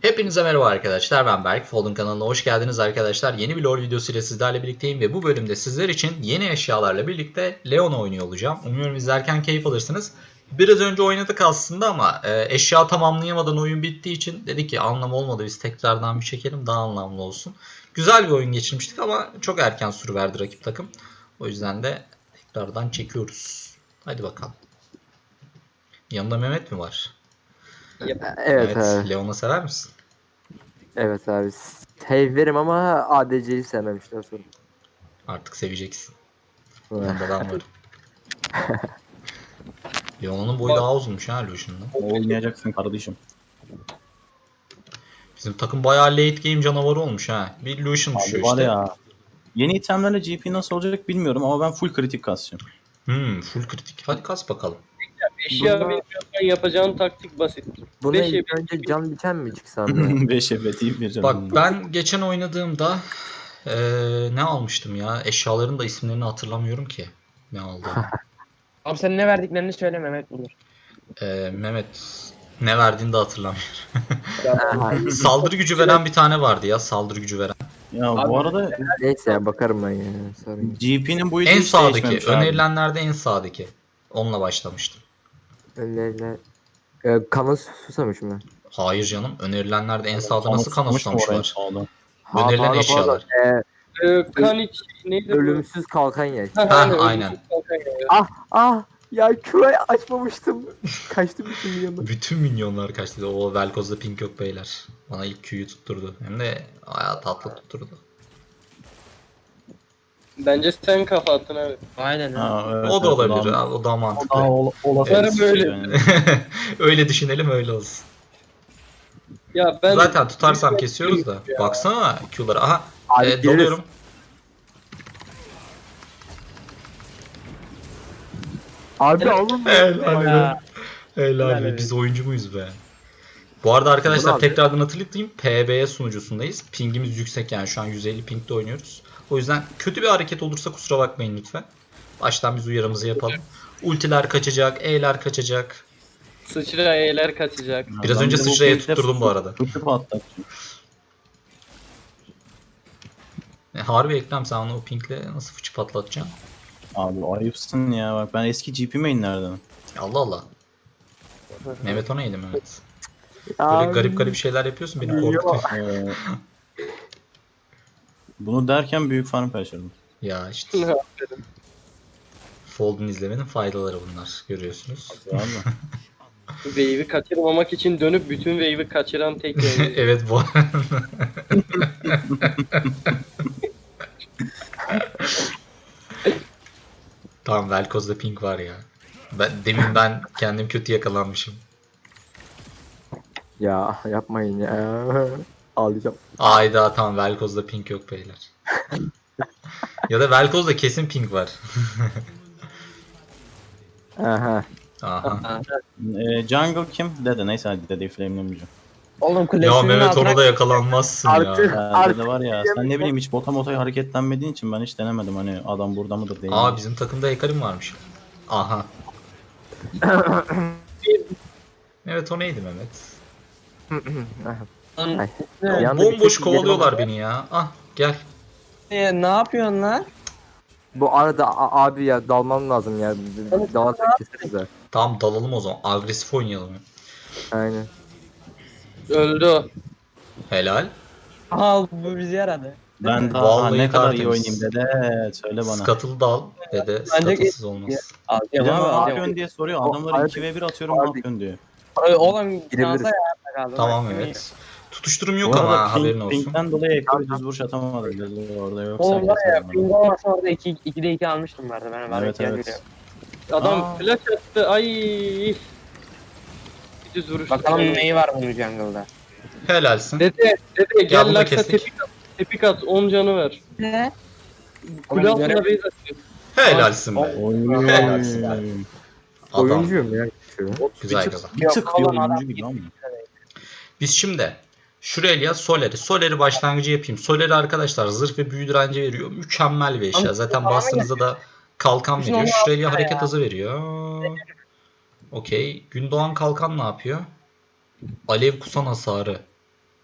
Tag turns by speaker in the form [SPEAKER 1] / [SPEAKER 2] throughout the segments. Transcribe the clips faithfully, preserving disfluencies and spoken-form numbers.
[SPEAKER 1] Hepinize merhaba arkadaşlar, ben Berk. Fold'un kanalına hoş geldiniz arkadaşlar. Yeni bir LoL videosu ile sizlerle birlikteyim ve bu bölümde sizler için yeni eşyalarla birlikte Leon oynuyor olacağım. Umuyorum izlerken keyif alırsınız. Biraz önce oynadık aslında ama e, eşya tamamlayamadan oyun bittiği için dedik ki anlam olmadı, biz tekrardan bir çekelim, daha anlamlı olsun. Güzel bir oyun geçirmiştik ama çok erken sürüverdi rakip takım. O yüzden de tekrardan çekiyoruz. Hadi bakalım. Yanında Mehmet mi var?
[SPEAKER 2] Evet,
[SPEAKER 1] Evet,
[SPEAKER 2] abi.
[SPEAKER 1] Leon'u sever misin?
[SPEAKER 2] Evet abi. Severim ama A D C'yi sevmemişler sonra.
[SPEAKER 1] Artık seveceksin. Yanında ben varım. Leon'un boyu daha uzunmuş ha Lucian'dan.
[SPEAKER 3] Oynayacaksın kardeşim.
[SPEAKER 1] Bizim takım bayağı late game canavarı olmuş ha. Bir Lucian
[SPEAKER 3] Abi
[SPEAKER 1] düşüyor
[SPEAKER 3] var
[SPEAKER 1] işte.
[SPEAKER 3] ya. Yeni itemlerle G P nasıl olacak bilmiyorum ama ben full kritik kasacağım.
[SPEAKER 1] Hmm, full kritik. Hadi kas bakalım.
[SPEAKER 4] Eşya
[SPEAKER 2] Buna-
[SPEAKER 4] bilmiyorsan yapacağın taktik basit.
[SPEAKER 2] Buna
[SPEAKER 4] Beş
[SPEAKER 2] ilk
[SPEAKER 4] ev-
[SPEAKER 2] önce can biten mi çıksam ya?
[SPEAKER 3] beş evet iyi bir canım.
[SPEAKER 1] Bak ben geçen oynadığımda eee, ne almıştım ya? Eşyaların da isimlerini hatırlamıyorum ki. Ne aldığımı.
[SPEAKER 5] Abi sen ne verdiklerini söyle Mehmet bulur.
[SPEAKER 1] Eee, Mehmet ne verdiğini de hatırlamıyorum.
[SPEAKER 2] Aha,
[SPEAKER 1] Saldırı gücü veren bir tane vardı ya. Saldırı gücü veren.
[SPEAKER 3] Ya bu arada
[SPEAKER 2] Neyse ya bakarım ben ya. Sorun.
[SPEAKER 3] G P'nin boyutu
[SPEAKER 1] En
[SPEAKER 3] hiç
[SPEAKER 1] sağdaki.
[SPEAKER 3] değişmemiş abi.
[SPEAKER 1] Önerilenlerde en sağdaki. Onunla başlamıştım.
[SPEAKER 2] Önlerine... Ee, kanı susamış mı?
[SPEAKER 1] Hayır canım. Önerilenlerde en sağda
[SPEAKER 3] Kanı
[SPEAKER 1] nasıl kan
[SPEAKER 3] tutmuş mu
[SPEAKER 1] susamış
[SPEAKER 3] oraya
[SPEAKER 1] var?
[SPEAKER 3] sağda?
[SPEAKER 2] Ha,
[SPEAKER 1] Önerilen
[SPEAKER 2] pardon,
[SPEAKER 1] eşyalar.
[SPEAKER 2] pardon. Ee,
[SPEAKER 4] Ee, kan iç neydi? bu?
[SPEAKER 2] ölümsüz kalkan ya.
[SPEAKER 4] Ha,
[SPEAKER 1] Ha,
[SPEAKER 4] aynen,
[SPEAKER 1] aynen.
[SPEAKER 4] ölümsüz kalkan ya.
[SPEAKER 2] Ah ah! Ya Q'yu açmamıştım. Kaçtı bütün yanı.
[SPEAKER 1] Bütün minyonlar kaçtı. O Velkoz'da pink yok beyler. Bana ilk Q'yu tutturdu. Hem de ayağı tatlı tutturdu.
[SPEAKER 4] Bence sen kafa attın abi.
[SPEAKER 5] Aynen öyle.
[SPEAKER 3] Ha, evet,
[SPEAKER 1] O da
[SPEAKER 3] evet,
[SPEAKER 1] olabilir.
[SPEAKER 3] daha-
[SPEAKER 1] abi, O daha
[SPEAKER 3] O
[SPEAKER 1] mantıklı.
[SPEAKER 3] daha ol, olası
[SPEAKER 4] Evet.
[SPEAKER 3] bir şey
[SPEAKER 4] Böyle.
[SPEAKER 3] yani.
[SPEAKER 1] Öyle düşünelim, öyle olsun.
[SPEAKER 4] Ya ben
[SPEAKER 1] Zaten tutarsam kesiyoruz da.
[SPEAKER 4] Ya.
[SPEAKER 1] Baksana Q'lara. Aha.
[SPEAKER 2] Abi
[SPEAKER 1] e,
[SPEAKER 2] gireriz.
[SPEAKER 1] dalıyorum.
[SPEAKER 2] Abi oğlum.
[SPEAKER 1] Helal
[SPEAKER 5] Ya.
[SPEAKER 1] be. Helal
[SPEAKER 5] Helal
[SPEAKER 1] be.
[SPEAKER 5] be.
[SPEAKER 1] Biz oyuncu muyuz be? Bu arada arkadaşlar
[SPEAKER 2] Bunu abi-
[SPEAKER 1] tekrardan hatırlatayım. P B E sunucusundayız. Pingimiz yüksek, yani şu an yüz elli pingde oynuyoruz. O yüzden kötü bir hareket olursa kusura bakmayın lütfen. Baştan biz uyarımızı yapalım. Ultiler kaçacak, E'ler kaçacak.
[SPEAKER 4] sıçra E'ler kaçacak.
[SPEAKER 1] Biraz
[SPEAKER 3] Ben
[SPEAKER 1] önce
[SPEAKER 3] bir de bu
[SPEAKER 1] sıçraya
[SPEAKER 3] pinkle
[SPEAKER 1] tutturdum bu arada.
[SPEAKER 3] Tutup atlatacağım.
[SPEAKER 1] E, harbi Ekrem, sen onu o pinkle nasıl fıçı patlatacaksın?
[SPEAKER 3] Abi ayıpsın ya bak ben eski G P mainlerden.
[SPEAKER 1] Allah Allah. Mehmet o neydi Mehmet? Böyle
[SPEAKER 2] Abi.
[SPEAKER 1] garip garip şeyler yapıyorsun, beni
[SPEAKER 2] Yok.
[SPEAKER 1] korkutuyor.
[SPEAKER 3] Ee, bunu derken büyük farm kaçırdım.
[SPEAKER 1] Ya işte Fold'un izlemenin faydaları bunlar, görüyorsunuz.
[SPEAKER 3] Abi.
[SPEAKER 4] Wave'i kaçırmamak için dönüp bütün wave'i kaçıran tek yayıncı.
[SPEAKER 1] Evet bu. Tamam, Velkoz'da pink var ya. Ben, demin ben kendim kötü yakalanmışım.
[SPEAKER 2] Ya yapmayın ya. Ağlayacağım.
[SPEAKER 1] Ayda tamam, Velkoz'da pink yok beyler. Ya da Velkoz'da kesin pink var.
[SPEAKER 2] Aha.
[SPEAKER 1] Aha.
[SPEAKER 3] Ee, jungle kim? Dede neyse hadi dedeyi flamelemeyeceğim.
[SPEAKER 5] Oğlum
[SPEAKER 1] Ya
[SPEAKER 5] kulesinin
[SPEAKER 1] Mehmet,
[SPEAKER 5] altına
[SPEAKER 1] ona da yakalanmazsın
[SPEAKER 2] Artık-
[SPEAKER 1] ya.
[SPEAKER 3] Ya
[SPEAKER 2] Artık
[SPEAKER 3] dede var ya sen ne bileyim hiç bota mota hareketlenmediğin için ben hiç denemedim hani adam burada mıdır değil mi?
[SPEAKER 1] Aa, bizim takımda Ekarim varmış. Aha. Evet, o neydi Mehmet?
[SPEAKER 2] Ay.
[SPEAKER 1] Ya,
[SPEAKER 2] Yanda bir
[SPEAKER 1] bomboş
[SPEAKER 2] sesim
[SPEAKER 1] kovalıyorlar
[SPEAKER 2] geliyor
[SPEAKER 1] beni ya. Ah gel.
[SPEAKER 5] E, ne yapıyorsun lan?
[SPEAKER 2] Bu arada a- abi ya dalmam lazım ya. Dalarsak keseriz ha.
[SPEAKER 1] Tamam, dalalım o zaman. Agresif oynayalım.
[SPEAKER 2] Aynen.
[SPEAKER 4] Öldü o.
[SPEAKER 1] Helal.
[SPEAKER 5] Aha bu bizi yaradı.
[SPEAKER 3] Ben daha
[SPEAKER 1] Vallahi
[SPEAKER 3] ne kadar iyi
[SPEAKER 1] tertemiz.
[SPEAKER 3] oynayayım dede söyle bana.
[SPEAKER 1] Scuttle dal dede.
[SPEAKER 5] Bence
[SPEAKER 1] Scuttlesız olmaz.
[SPEAKER 3] Bir
[SPEAKER 5] Alacağım
[SPEAKER 3] de
[SPEAKER 5] abi
[SPEAKER 3] ne
[SPEAKER 5] alacağım.
[SPEAKER 3] yapıyorsun diye soruyor
[SPEAKER 2] O-
[SPEAKER 3] adamlara iki ve bir atıyorum ne
[SPEAKER 2] Abi-
[SPEAKER 3] yapıyorsun diyor.
[SPEAKER 5] Ay, Oğlum
[SPEAKER 2] Girebiliriz.
[SPEAKER 5] şansa ya kaldı.
[SPEAKER 1] Tamam,
[SPEAKER 5] Bak,
[SPEAKER 1] evet. Tutuşturum
[SPEAKER 3] Bu
[SPEAKER 1] yok
[SPEAKER 3] arada
[SPEAKER 1] ama
[SPEAKER 3] ping-
[SPEAKER 1] haberin olsun.
[SPEAKER 3] Pink'ten dolayı ekranı düz vuruş atamadım dedi orada yoksa.
[SPEAKER 5] Oğlum var ya
[SPEAKER 3] kesin
[SPEAKER 5] ping olmasa orada iki, ikide iki almıştım vardı ben. Var
[SPEAKER 3] Evet,
[SPEAKER 5] evet,
[SPEAKER 3] evet.
[SPEAKER 4] Adam
[SPEAKER 3] Aa.
[SPEAKER 4] flash attı. Ay. Bir düz vuruş.
[SPEAKER 5] Bakalım neyi var bunun jungle'da.
[SPEAKER 1] Helalsin.
[SPEAKER 4] Dede, dede gel
[SPEAKER 1] bunu
[SPEAKER 4] Laksa
[SPEAKER 1] kestik.
[SPEAKER 4] tepik at. Tepik at. on canı ver.
[SPEAKER 5] Ne?
[SPEAKER 4] Kule
[SPEAKER 5] Oğlum,
[SPEAKER 4] altına
[SPEAKER 5] görev-
[SPEAKER 4] base atıyor.
[SPEAKER 1] Helalsin be.
[SPEAKER 3] Oy.
[SPEAKER 1] Helalsin. Adam.
[SPEAKER 2] Oyuncuyum ya. Şu.
[SPEAKER 1] Güzel
[SPEAKER 3] bir
[SPEAKER 1] kazan.
[SPEAKER 3] tık, bir tık
[SPEAKER 5] Yok,
[SPEAKER 3] bir
[SPEAKER 5] oğlum,
[SPEAKER 3] oyuncu
[SPEAKER 5] adam-
[SPEAKER 3] gibi ama.
[SPEAKER 1] Biz şimdi Şuraya Soler'i. Soler'i başlangıcı yapayım. Soler'i arkadaşlar zırh ve büyü direnci veriyor. Mükemmel bir eşya. Zaten bastığınızda da kalkan
[SPEAKER 5] Bütün
[SPEAKER 1] veriyor.
[SPEAKER 5] onlar
[SPEAKER 1] Şuraya
[SPEAKER 5] var
[SPEAKER 1] hareket
[SPEAKER 5] ya.
[SPEAKER 1] hızı veriyor. Okey. Gündoğan kalkan ne yapıyor? Alev kusan hasarı.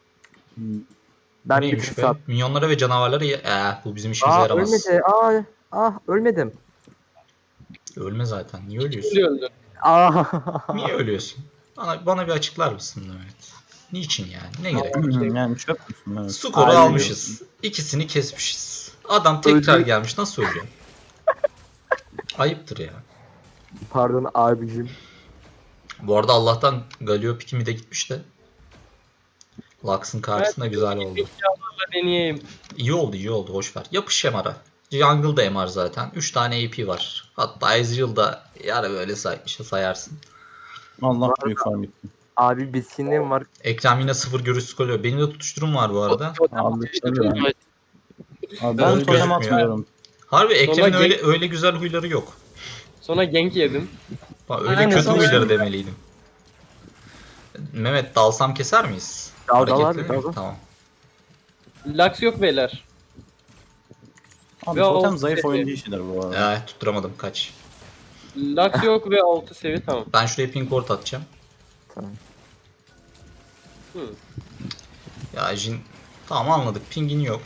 [SPEAKER 2] Ben bir
[SPEAKER 1] Neymiş
[SPEAKER 2] tık
[SPEAKER 1] be?
[SPEAKER 2] sat.
[SPEAKER 1] Minyonlara ve canavarlara ye- eh, bu bizim işimize
[SPEAKER 2] Aa
[SPEAKER 1] yaramaz.
[SPEAKER 2] ölmedi. Aa ah ölmedim.
[SPEAKER 1] Ölme zaten. Niye ölüyorsun?
[SPEAKER 4] Şimdi öldü.
[SPEAKER 2] Aa.
[SPEAKER 1] Niye ölüyorsun? Bana, bana bir açıklar mısın Mehmet? Niçin yani? Ne gerek var?
[SPEAKER 3] yani çöp müsün? Evet.
[SPEAKER 1] Skoru
[SPEAKER 2] Abi-
[SPEAKER 1] almışız. İkisini kesmişiz. Adam tekrar
[SPEAKER 2] Öldü.
[SPEAKER 1] gelmiş. Nasıl ölüyor? Ayıptır ya.
[SPEAKER 2] Pardon abicim.
[SPEAKER 1] Bu arada Allah'tan Galio pikimi de gitmiş de. Lux'ın karşısında güzel oldu.
[SPEAKER 4] Eşyalarla deneyeyim.
[SPEAKER 1] İyi oldu iyi oldu hoş ver. Yapış M R'a. Jungle da M R zaten. üç tane A P var. Hatta Ezreal'da yarı böyle say işte sayarsın.
[SPEAKER 3] Allah büyük farm bitti.
[SPEAKER 2] Abi bitkinliğim var.
[SPEAKER 1] Ekrem yine sıfır görüş skoluyor. Benim de tutuşturum var bu arada.
[SPEAKER 3] Abi tabii ben. Abi
[SPEAKER 1] Ben
[SPEAKER 3] ben totem
[SPEAKER 1] gözükmüyor.
[SPEAKER 3] atmıyorum.
[SPEAKER 1] Harbi Ekrem'in
[SPEAKER 4] Sonra
[SPEAKER 1] öyle öyle güzel huyları yok.
[SPEAKER 4] Sonra gank yedim.
[SPEAKER 1] Bak, öyle
[SPEAKER 4] Aynen,
[SPEAKER 1] kötü
[SPEAKER 4] sonra-
[SPEAKER 1] huyları demeliydim. Mehmet dalsam keser miyiz?
[SPEAKER 2] Dal, dal
[SPEAKER 1] Hareketli
[SPEAKER 2] abi,
[SPEAKER 1] mi?
[SPEAKER 2] dal.
[SPEAKER 1] Tamam.
[SPEAKER 4] Lux yok beyler.
[SPEAKER 3] Abi
[SPEAKER 4] Ve
[SPEAKER 3] totem
[SPEAKER 4] o-
[SPEAKER 3] zayıf oyuncu işidir bu arada.
[SPEAKER 1] Eh, tutturamadım kaç.
[SPEAKER 4] Lux yok ve altı seviye tamam.
[SPEAKER 1] Ben şuraya ping ward atacağım.
[SPEAKER 2] Tamam.
[SPEAKER 4] Hı.
[SPEAKER 1] Ya Jin tamam anladık. Pingin yok.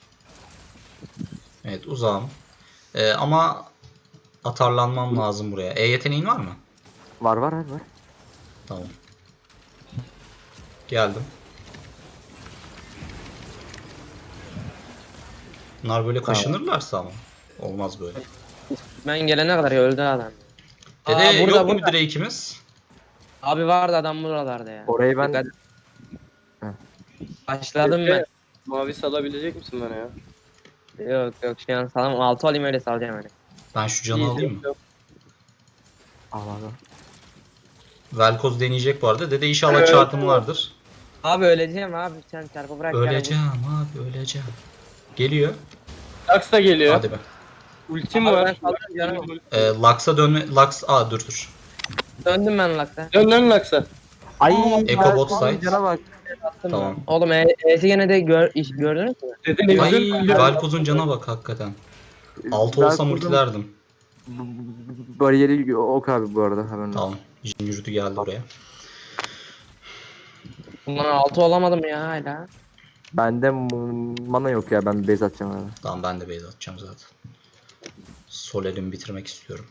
[SPEAKER 1] Evet uzağım. Ee, ama atarlanmam lazım buraya. E yeteneğin var mı?
[SPEAKER 2] Var var var var.
[SPEAKER 1] Tamam. Geldim. Bunlar böyle
[SPEAKER 2] Tamam.
[SPEAKER 1] kaşınırlarsa ama. Olmaz böyle.
[SPEAKER 5] Ben gelene kadar ya öldü adam.
[SPEAKER 1] Dede
[SPEAKER 5] Aa, burada,
[SPEAKER 1] yok mu
[SPEAKER 5] burada.
[SPEAKER 1] bir Drake'imiz?
[SPEAKER 5] Abi vardı adam buralarda ya.
[SPEAKER 2] Orayı ben
[SPEAKER 5] Dikkat- Başladım ben.
[SPEAKER 4] Mavi salabilecek misin bana ya?
[SPEAKER 5] Yok yok şu an salam altı alayım öyle salacağım öyle.
[SPEAKER 1] Ben şu canı
[SPEAKER 4] İyi,
[SPEAKER 1] alayım mı?
[SPEAKER 4] yok.
[SPEAKER 2] al al.
[SPEAKER 1] Velkoz deneyecek bu arada. Dede inşallah çarpım vardır.
[SPEAKER 5] Abi öleceğim abi sen çarpı bırak.
[SPEAKER 1] Öleceğim abi öleceğim. Geliyor.
[SPEAKER 4] Lux da geliyor.
[SPEAKER 1] Hadi be.
[SPEAKER 4] Ultim
[SPEAKER 5] Abi
[SPEAKER 4] var.
[SPEAKER 5] ben saldım canım.
[SPEAKER 1] Ee, Lux'a dönme. Lux. Aa dur dur.
[SPEAKER 5] Döndüm ben lakta.
[SPEAKER 4] Dön lan Lux'a.
[SPEAKER 2] Ay.
[SPEAKER 1] Echo
[SPEAKER 2] ben-
[SPEAKER 1] bot side.
[SPEAKER 2] Cana bak.
[SPEAKER 1] Tamam.
[SPEAKER 5] Oğlum e E'si gene de gör, iş gördünüz mü?
[SPEAKER 4] Dede ne
[SPEAKER 1] Ay
[SPEAKER 4] güzel.
[SPEAKER 1] Velkoz'un cana bak hakikaten. altı
[SPEAKER 2] Ben
[SPEAKER 1] olsam
[SPEAKER 2] kurdum.
[SPEAKER 1] ultilerdim.
[SPEAKER 2] B- b- Bariyeri ok abi bu arada hemen.
[SPEAKER 1] Tamam. Jin yürüdü geldi oraya.
[SPEAKER 5] Bundan altı olamadım ya hala.
[SPEAKER 2] Bende m- mana yok ya ben bir base atacağım abi.
[SPEAKER 1] Tamam ben de base atacağım zaten. Soler'imi bitirmek istiyorum.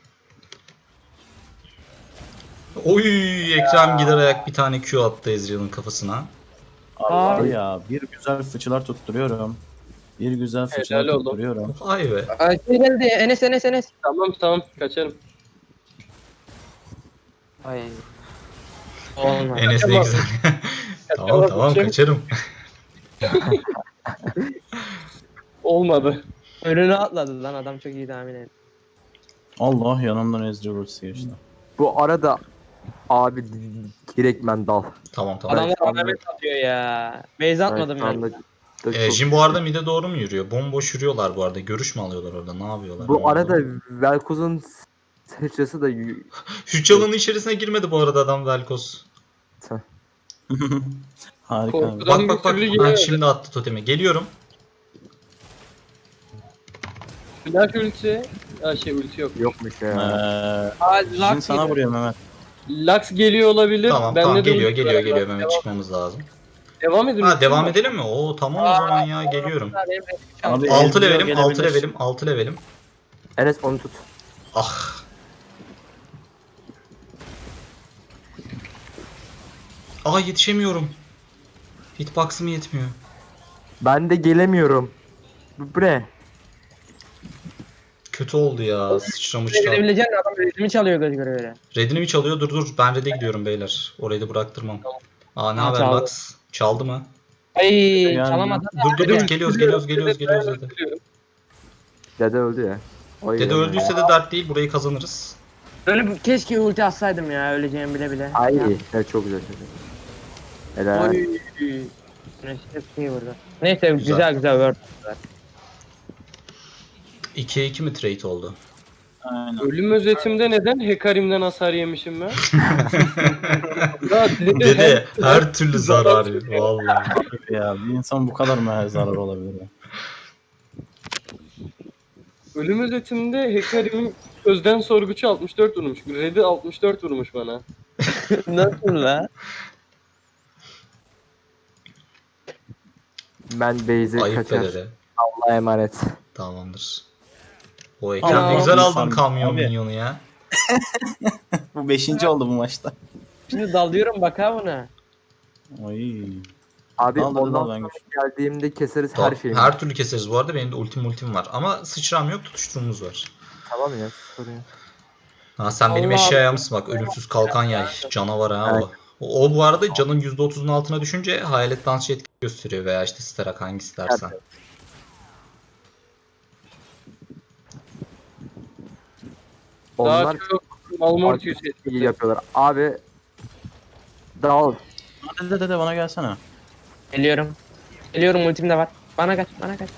[SPEAKER 1] Oy Ekrem gider ayak bir tane Q attı Ezreal'ın kafasına.
[SPEAKER 3] Allah ya bir güzel fıçılar tutturuyorum. Bir güzel fıçılar
[SPEAKER 4] Helal oldu.
[SPEAKER 3] tutturuyorum.
[SPEAKER 1] Vay be.
[SPEAKER 5] Ay şey geldi Enes Enes Enes.
[SPEAKER 4] Tamam tamam kaçarım.
[SPEAKER 5] Ay. Olmadı.
[SPEAKER 1] Enes ne güzel. tamam tamam kaçarım.
[SPEAKER 4] Olmadı.
[SPEAKER 5] Önüne atladı lan adam çok iyi tahmin etti.
[SPEAKER 3] Allah yanımdan Ezreal ultisi geçti.
[SPEAKER 2] Bu arada abi direkt ben dal.
[SPEAKER 1] Tamam tamam.
[SPEAKER 5] Adamlar
[SPEAKER 2] şu anda-
[SPEAKER 5] alamet atıyor ya. Base atmadım
[SPEAKER 2] şu
[SPEAKER 5] ben.
[SPEAKER 2] anda da
[SPEAKER 1] Ee,
[SPEAKER 2] çok-
[SPEAKER 1] Jin bu arada mid'e doğru mu yürüyor? Bomboş yürüyorlar bu arada. Görüş mü alıyorlar orada? Ne yapıyorlar?
[SPEAKER 2] Bu
[SPEAKER 1] Ne
[SPEAKER 2] arada
[SPEAKER 1] oldu?
[SPEAKER 2] Velkoz'un sıçrası da y-
[SPEAKER 1] Şu çalının içerisine girmedi bu arada adam Velkoz.
[SPEAKER 3] Harika.
[SPEAKER 4] Korkudan-
[SPEAKER 3] abi.
[SPEAKER 1] Bak
[SPEAKER 4] bir
[SPEAKER 1] bak bak.
[SPEAKER 4] türlü
[SPEAKER 1] Ha,
[SPEAKER 4] giremedi.
[SPEAKER 1] şimdi attı totemi. Geliyorum.
[SPEAKER 4] Flash ulti. Ya şey ulti yok.
[SPEAKER 2] yokmuş
[SPEAKER 3] Ee,
[SPEAKER 2] ya.
[SPEAKER 5] Aa,
[SPEAKER 3] Jin
[SPEAKER 5] Lux
[SPEAKER 3] sana
[SPEAKER 5] yedi.
[SPEAKER 3] vuruyor Mehmet.
[SPEAKER 4] Lux geliyor olabilir.
[SPEAKER 1] Tamam
[SPEAKER 4] Bende
[SPEAKER 1] tamam
[SPEAKER 4] de
[SPEAKER 1] geliyor
[SPEAKER 4] ulti
[SPEAKER 1] geliyor
[SPEAKER 4] var.
[SPEAKER 1] geliyor. Mehmet
[SPEAKER 4] Devam-
[SPEAKER 1] çıkmamız lazım.
[SPEAKER 4] Devam edin.
[SPEAKER 1] Ha
[SPEAKER 4] ultim
[SPEAKER 1] devam
[SPEAKER 4] var.
[SPEAKER 1] edelim mi? Oo tamam o zaman ya geliyorum.
[SPEAKER 5] Benim benim
[SPEAKER 3] Abi,
[SPEAKER 1] altı
[SPEAKER 3] Ezreal
[SPEAKER 1] levelim altı
[SPEAKER 3] gelebilir.
[SPEAKER 1] levelim altı levelim.
[SPEAKER 2] Enes onu tut.
[SPEAKER 1] Ah. Aa yetişemiyorum. Hitbox'ım yetmiyor.
[SPEAKER 2] Ben de gelemiyorum. Bu bu ne?
[SPEAKER 1] Kötü oldu ya. Sıçramışlar.
[SPEAKER 5] Gidebileceksin adam ritmi çalıyor göz göre öyle.
[SPEAKER 1] Red'ini mi çalıyor? Dur dur. Ben Red'e gidiyorum beyler. Orayı da bıraktırmam. Aa ne
[SPEAKER 5] Ha,
[SPEAKER 1] haber
[SPEAKER 5] çaldı.
[SPEAKER 1] Lux? Çaldı mı?
[SPEAKER 5] Ay
[SPEAKER 3] Yani-
[SPEAKER 5] çalamadı.
[SPEAKER 1] Dur dur dur. Geliyoruz geliyoruz geliyoruz geliyoruz Dede.
[SPEAKER 2] Dede öldü ya. Oy
[SPEAKER 1] Dede
[SPEAKER 2] ya.
[SPEAKER 1] öldüyse de dert değil. Burayı kazanırız.
[SPEAKER 5] Böyle bir- keşke ulti atsaydım ya öleceğimi bile bile.
[SPEAKER 2] Ay
[SPEAKER 5] Ya.
[SPEAKER 2] evet, çok güzel. Çok güzel. Helal.
[SPEAKER 5] Oy. Güneş hep iyi vurdu. Neyse güzel güzel, güzel word.
[SPEAKER 1] ikiye iki mi trade oldu?
[SPEAKER 3] Aynen.
[SPEAKER 4] Ölüm özetimde neden Hekarim'den hasar yemişim ben? Ya dede,
[SPEAKER 1] Dede her türlü zarar. Vallahi.
[SPEAKER 3] Ya bir insan bu kadar mı zarar olabilir ya?
[SPEAKER 4] Ölüm özetimde Hekarim'in sözden sorguçu altmış dört vurmuş. Red'i altmış dört vurmuş bana.
[SPEAKER 5] Nasıl la?
[SPEAKER 2] Ben base'e
[SPEAKER 1] Ayıp
[SPEAKER 2] kaçar.
[SPEAKER 1] be dede.
[SPEAKER 2] Allah'a emanet.
[SPEAKER 1] Tamamdır. O Ekrem ne
[SPEAKER 3] Aa,
[SPEAKER 1] güzel aldın
[SPEAKER 3] insan-
[SPEAKER 1] kamyon
[SPEAKER 3] abi.
[SPEAKER 1] minyonu ya.
[SPEAKER 3] Bu beşinci oldu bu maçta.
[SPEAKER 5] Şimdi dalıyorum bak ha buna.
[SPEAKER 3] Ay.
[SPEAKER 2] Abi
[SPEAKER 3] Al, hadi
[SPEAKER 2] ondan
[SPEAKER 3] dal, ben
[SPEAKER 2] sonra
[SPEAKER 3] güçlü.
[SPEAKER 2] geldiğimde keseriz
[SPEAKER 1] Tamam,
[SPEAKER 2] her şeyi.
[SPEAKER 1] her türlü keseriz bu arada. Benim de ultim ultim var. Ama sıçram yok, tutuşturumuz var.
[SPEAKER 2] Tamam ya sorun yok.
[SPEAKER 1] Ha sen benim
[SPEAKER 5] Allah
[SPEAKER 1] eşyaya mısın bak, ölümsüz kalkan yay. Canavar ha
[SPEAKER 2] Evet.
[SPEAKER 1] o. O, o bu arada canın yüzde otuzun altına düşünce hayalet dansçı etki gösteriyor veya işte starak hangisi dersen.
[SPEAKER 2] Onlar
[SPEAKER 4] Daha çok Malmortius
[SPEAKER 2] iyi
[SPEAKER 4] etkisi.
[SPEAKER 2] yapıyorlar. Abi dal.
[SPEAKER 3] Dede dede bana gelsene.
[SPEAKER 5] Geliyorum. Geliyorum, ultim de var. Bana kaç, bana kaç.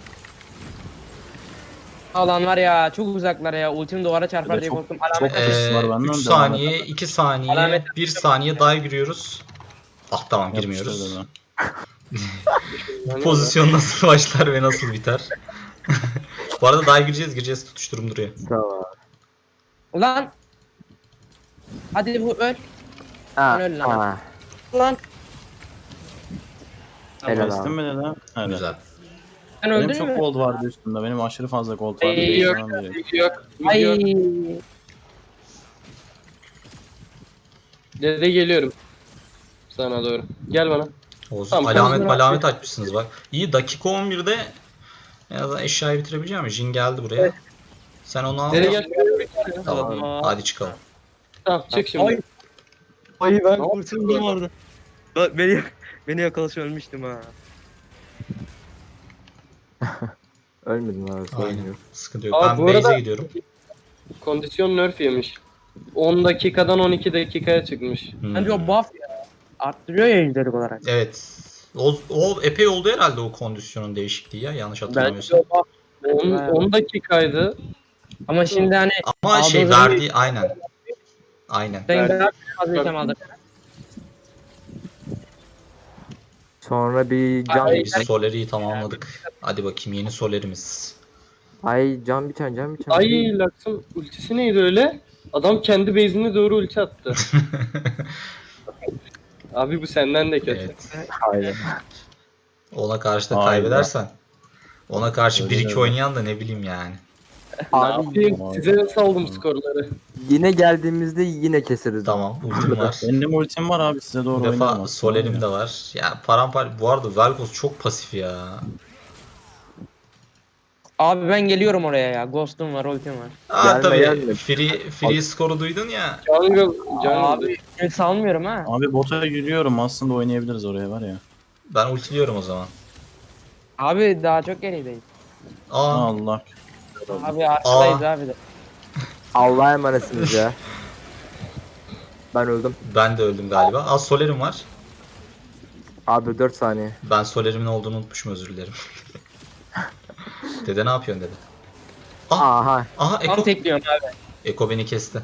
[SPEAKER 5] Alan var ya, çok uzaklara ya. Ultim duvara çarpar
[SPEAKER 3] Dede
[SPEAKER 5] diye
[SPEAKER 3] çok-
[SPEAKER 5] korktum.
[SPEAKER 3] çok
[SPEAKER 5] Alamet
[SPEAKER 3] hızlı. Hırsız var
[SPEAKER 1] Ee,
[SPEAKER 3] benden,
[SPEAKER 1] üç
[SPEAKER 3] devam
[SPEAKER 1] saniye,
[SPEAKER 3] et.
[SPEAKER 1] iki saniye,
[SPEAKER 5] Alamet-
[SPEAKER 1] bir saniye daha giriyoruz. Ah tamam,
[SPEAKER 3] Yapıştır
[SPEAKER 1] girmiyoruz.
[SPEAKER 3] dede.
[SPEAKER 1] Bu pozisyon nasıl başlar ve nasıl biter? Bu arada daha gireceğiz, gireceğiz, tutuşturum duruyor.
[SPEAKER 2] Tamam.
[SPEAKER 5] Ulan. Hadi bu öl.
[SPEAKER 2] Ha,
[SPEAKER 5] Öl lan.
[SPEAKER 2] ha.
[SPEAKER 5] Ulan.
[SPEAKER 2] Helal
[SPEAKER 3] Kestin
[SPEAKER 2] abi.
[SPEAKER 3] mi dede? Hadi.
[SPEAKER 1] Güzel.
[SPEAKER 5] Sen
[SPEAKER 3] Benim
[SPEAKER 5] öldün
[SPEAKER 3] çok
[SPEAKER 5] mü?
[SPEAKER 3] gold vardı üstümde. Benim aşırı fazla gold vardı.
[SPEAKER 5] Ey,
[SPEAKER 3] Benim
[SPEAKER 4] yok,
[SPEAKER 3] sana diyor.
[SPEAKER 4] Mid yok. Mid
[SPEAKER 5] Ay.
[SPEAKER 4] yok. Dede geliyorum. Sana doğru. Gel bana.
[SPEAKER 1] Olsun.
[SPEAKER 4] Tamam,
[SPEAKER 1] alamet
[SPEAKER 5] konuşma.
[SPEAKER 1] alamet açmışsınız bak. İyi, dakika on birde en azından eşyayı bitirebileceğim mi? Jin geldi buraya. Sen onu al.
[SPEAKER 4] Dede gel.
[SPEAKER 1] Tamam. Hadi çıkalım.
[SPEAKER 4] Tamam çık şimdi.
[SPEAKER 5] Ay. Ay ben
[SPEAKER 4] Ne
[SPEAKER 5] kurtuldum orada. Bak beni beni yakalasa ölmüştüm ha.
[SPEAKER 2] Ölmedin abi sorun
[SPEAKER 1] Aynen.
[SPEAKER 2] yok.
[SPEAKER 1] Sıkıntı yok.
[SPEAKER 4] Aa,
[SPEAKER 1] Ben
[SPEAKER 4] bu
[SPEAKER 1] base'e
[SPEAKER 4] arada-
[SPEAKER 1] gidiyorum.
[SPEAKER 4] Kondisyon nerf yemiş. on dakikadan on iki dakikaya çıkmış.
[SPEAKER 1] Hmm.
[SPEAKER 5] Bence o buff ya. Arttırıyor ya yüzdelik olarak.
[SPEAKER 1] Evet. O, o epey oldu herhalde o kondisyonun değişikliği ya, yanlış
[SPEAKER 4] Bence
[SPEAKER 1] hatırlamıyorsam.
[SPEAKER 4] o buff on, on dakikaydı.
[SPEAKER 5] Ama şimdi hani
[SPEAKER 1] Ama
[SPEAKER 5] Aldığınız
[SPEAKER 1] şey
[SPEAKER 5] önce-
[SPEAKER 1] verdiği aynen. Aynen.
[SPEAKER 5] ben
[SPEAKER 4] Verdi.
[SPEAKER 5] daha fazla item aldım.
[SPEAKER 2] Sonra bir can
[SPEAKER 1] Hadi biz Soler'i tamamladık. Hadi bakayım yeni Soler'imiz.
[SPEAKER 2] Ay can biten can biten.
[SPEAKER 4] Ay Lux'ın ultisi neydi öyle? Adam kendi base'ine doğru ulti attı. Abi bu senden de kötü.
[SPEAKER 1] Evet.
[SPEAKER 2] Hayır.
[SPEAKER 1] Ona karşı da
[SPEAKER 3] Aynen.
[SPEAKER 1] kaybedersen. Ona karşı
[SPEAKER 3] Öyle
[SPEAKER 1] bir iki
[SPEAKER 3] öyle.
[SPEAKER 1] oynayan da ne bileyim yani.
[SPEAKER 4] Ne
[SPEAKER 2] Abi
[SPEAKER 4] yapayım? Size saldım skorları.
[SPEAKER 2] yine geldiğimizde yine keseriz.
[SPEAKER 1] Tamam, ultim var.
[SPEAKER 3] Benim ultim var abi, size doğru
[SPEAKER 1] Bir
[SPEAKER 3] oynarım
[SPEAKER 1] defa
[SPEAKER 3] aslında.
[SPEAKER 1] Soler'im de var. Ya paramparça. Bu arada Vel'Koz çok pasif ya.
[SPEAKER 5] Abi ben geliyorum oraya ya. Ghost'um var, ultim var.
[SPEAKER 1] Aa
[SPEAKER 2] Gelme,
[SPEAKER 1] tabii.
[SPEAKER 2] gelme.
[SPEAKER 1] Free, free skoru duydun ya.
[SPEAKER 4] Jungle, jungle.
[SPEAKER 5] Abi ben salmıyorum ha.
[SPEAKER 3] Abi bota yürüyorum, aslında oynayabiliriz oraya var ya.
[SPEAKER 1] Ben ultiliyorum o zaman.
[SPEAKER 5] Abi daha çok gerideyiz.
[SPEAKER 1] Aa,
[SPEAKER 3] Allah.
[SPEAKER 5] Abi arkadayız abi de.
[SPEAKER 2] Allah'a emanetsiniz ya. Ben öldüm.
[SPEAKER 1] ben de öldüm galiba. Aa, Soler'im var.
[SPEAKER 2] Abi dört saniye.
[SPEAKER 1] Ben Soler'imin olduğunu unutmuşum, özür dilerim. Dede ne yapıyorsun dede?
[SPEAKER 2] Aha.
[SPEAKER 1] Aha
[SPEAKER 5] Tam
[SPEAKER 1] Eko,
[SPEAKER 5] tekliyorum abi.
[SPEAKER 1] Eko beni kesti.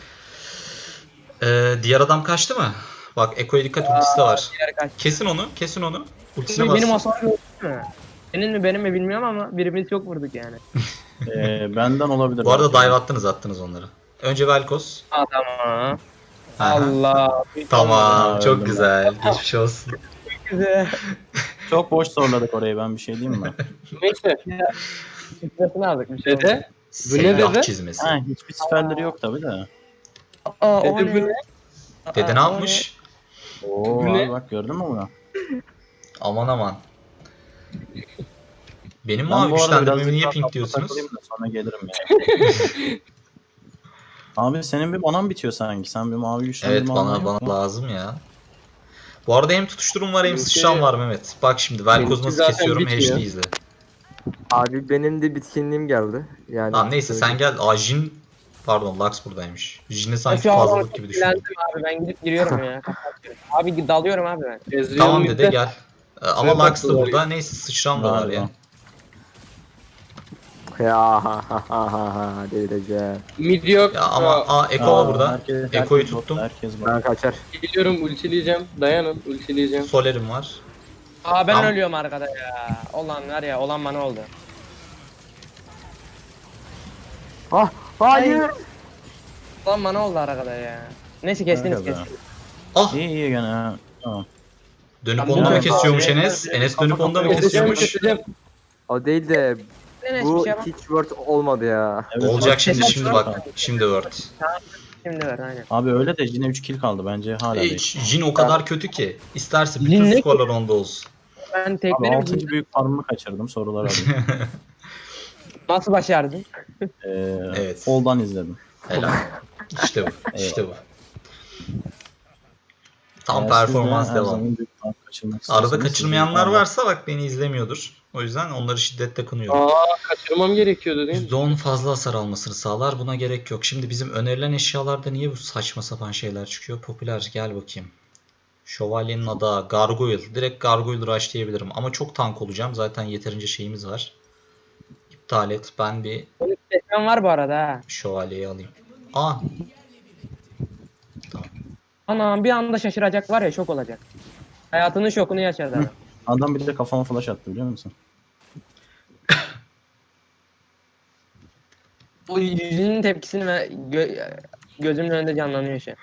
[SPEAKER 1] Ee, diğer adam kaçtı mı? Bak Eko'ya dikkat, ultisi de var.
[SPEAKER 5] Diğer kaç.
[SPEAKER 1] Kesin onu, kesin onu. Ultisine
[SPEAKER 5] Benim
[SPEAKER 1] bas.
[SPEAKER 5] hasarı yok mu? Senin mi benim mi bilmiyorum ama birimiz çok vurduk yani.
[SPEAKER 3] Ee, benden olabilir.
[SPEAKER 1] Bu arada
[SPEAKER 3] belki.
[SPEAKER 1] dive attınız attınız onları. Önce Vel'Koz.
[SPEAKER 5] Aa, tamam.
[SPEAKER 1] Aha.
[SPEAKER 5] Allah.
[SPEAKER 1] Tamam,
[SPEAKER 3] Aa,
[SPEAKER 1] çok
[SPEAKER 3] öldüm
[SPEAKER 1] güzel. Geçmiş olsun.
[SPEAKER 5] Güzel.
[SPEAKER 3] Çok boş zorladık orayı, ben bir şey diyeyim mi?
[SPEAKER 4] Neyse.
[SPEAKER 5] Stresini aldık bir şey. olmaz.
[SPEAKER 4] Dede. Bu ne
[SPEAKER 1] Seyyah
[SPEAKER 4] dede?
[SPEAKER 1] çizmesi.
[SPEAKER 3] ha, hiçbir siperleri yok tabi de.
[SPEAKER 5] Aa, o
[SPEAKER 4] Dede bu
[SPEAKER 5] ne?
[SPEAKER 4] ne?
[SPEAKER 1] Dede ne
[SPEAKER 5] Aa, o
[SPEAKER 1] yapmış?
[SPEAKER 3] Oo
[SPEAKER 4] Bu ne?
[SPEAKER 3] abi bak, gördün mü bunu?
[SPEAKER 1] Aman aman. Benim
[SPEAKER 3] Ben
[SPEAKER 1] mavi
[SPEAKER 3] bu arada
[SPEAKER 1] güçlendirmemi
[SPEAKER 3] biraz
[SPEAKER 1] niye
[SPEAKER 3] daha
[SPEAKER 1] pink
[SPEAKER 3] tatlı
[SPEAKER 1] diyorsunuz?
[SPEAKER 3] takılayım da sonra gelirim ya. Abi senin bir manan bitiyor sanki. Sen bir mavi güçlendirme
[SPEAKER 1] Evet,
[SPEAKER 3] alman
[SPEAKER 1] bana
[SPEAKER 3] yok
[SPEAKER 1] bana
[SPEAKER 3] mu?
[SPEAKER 1] lazım ya. Bu arada hem tutuşturum var hem
[SPEAKER 4] Benimki-
[SPEAKER 1] sıçram var Mehmet. Bak şimdi Velkoz'u
[SPEAKER 4] Benimki
[SPEAKER 1] nasıl
[SPEAKER 4] zaten
[SPEAKER 1] kesiyorum, H
[SPEAKER 4] bitmiyor.
[SPEAKER 1] D izle.
[SPEAKER 2] Abi benim de bitkinliğim geldi. Yani
[SPEAKER 1] Tamam neyse sen gel. Aa Jin, pardon Lux buradaymış. Jin'i sanki
[SPEAKER 5] Şu an
[SPEAKER 1] fazlalık gibi düşündüm.
[SPEAKER 5] sinirlendim abi, ben gidip giriyorum ya. kapatıyorum. Abi dalıyorum abi ben.
[SPEAKER 4] Ezreal
[SPEAKER 1] Tamam
[SPEAKER 4] midde.
[SPEAKER 1] dede gel. Ee, Ama
[SPEAKER 4] Şuraya
[SPEAKER 1] Lux da
[SPEAKER 4] baktılar
[SPEAKER 1] burada. Neyse sıçram da var ya.
[SPEAKER 2] Ya ha ha ha ha ha delireceğim.
[SPEAKER 4] Mid yok.
[SPEAKER 1] Ya ama
[SPEAKER 4] Aa,
[SPEAKER 1] aa Eko var burada.
[SPEAKER 3] herkes- herkes
[SPEAKER 1] Eko'yu
[SPEAKER 3] bot,
[SPEAKER 1] tuttum.
[SPEAKER 3] Herkes bot.
[SPEAKER 2] Ben kaçar.
[SPEAKER 4] Geliyorum ultileyeceğim. Dayanın ultileyeceğim.
[SPEAKER 1] Soler'im var.
[SPEAKER 5] Aa ben
[SPEAKER 1] Tamam.
[SPEAKER 5] ölüyorum arkada ya. Olan var ya, olan bana oldu.
[SPEAKER 2] Ah hayır.
[SPEAKER 5] Olan bana oldu arkada ya. Neyse kestiniz
[SPEAKER 3] Öyle be.
[SPEAKER 5] kestiniz.
[SPEAKER 1] Ah
[SPEAKER 3] İyi iyi gene ha. Tamam.
[SPEAKER 1] Dönüp
[SPEAKER 4] Ben
[SPEAKER 1] onu da mı
[SPEAKER 3] bunu-
[SPEAKER 1] kesiyormuş Enes? Enes dönüp onu da mı
[SPEAKER 4] Keseceğim,
[SPEAKER 1] kesiyormuş?
[SPEAKER 4] keseceğim.
[SPEAKER 2] O değil de
[SPEAKER 5] Enes bir
[SPEAKER 2] bu
[SPEAKER 5] şey yapma.
[SPEAKER 2] hiç word olmadı ya.
[SPEAKER 3] Evet,
[SPEAKER 1] Olacak
[SPEAKER 3] evet.
[SPEAKER 1] şimdi
[SPEAKER 5] Kesin
[SPEAKER 1] şimdi
[SPEAKER 5] şu
[SPEAKER 1] bak.
[SPEAKER 5] an-
[SPEAKER 1] Şimdi Word.
[SPEAKER 5] Şimdi ver aynen.
[SPEAKER 3] Abi öyle de yine üç kill kaldı bence hala değil.
[SPEAKER 1] Hiç Jin o kadar kötü ki. İsterse
[SPEAKER 5] Jin
[SPEAKER 1] bütün
[SPEAKER 5] ne
[SPEAKER 1] skorlar onda olsun.
[SPEAKER 5] Ben
[SPEAKER 3] Abi
[SPEAKER 5] teklerim.
[SPEAKER 3] altıncı büyük farmımı kaçırdım sorular alayım.
[SPEAKER 5] Nasıl başardın?
[SPEAKER 3] Ee,
[SPEAKER 1] Evet.
[SPEAKER 3] Fall'dan izledim.
[SPEAKER 1] Helal. İşte bu. İşte bu. Tam
[SPEAKER 3] Eğer
[SPEAKER 1] performans
[SPEAKER 3] siz de her
[SPEAKER 1] devam.
[SPEAKER 3] zaman büyük farm kaçırmak
[SPEAKER 1] Arada
[SPEAKER 3] istiyorsanız sizi
[SPEAKER 1] kaçırmayanlar
[SPEAKER 3] yukarıda-
[SPEAKER 1] varsa bak beni izlemiyordur. O yüzden onları şiddetle kınıyorum.
[SPEAKER 4] Aa kaçırmam gerekiyordu değil mi?
[SPEAKER 1] yüzde on fazla hasar almasını sağlar. Buna gerek yok. Şimdi bizim önerilen eşyalarda niye bu saçma sapan şeyler çıkıyor? Popüler gel bakayım. Şövalyenin adağı, Gargoyle. Direkt Gargoyle rushlayabilirim. Ama çok tank olacağım. Zaten yeterince şeyimiz var. İptal et. Ben bir
[SPEAKER 5] Tekmen var bu arada ha.
[SPEAKER 1] şövalyeyi alayım. Aa. Tamam.
[SPEAKER 5] Anam bir anda şaşıracak var ya şok olacak. Hayatının şokunu yaşadı adam.
[SPEAKER 3] Adam bir de kafama flash attı biliyor musun?
[SPEAKER 5] Bu yüzünün tepkisini ve gö- gözümün önünde canlanıyor şu an.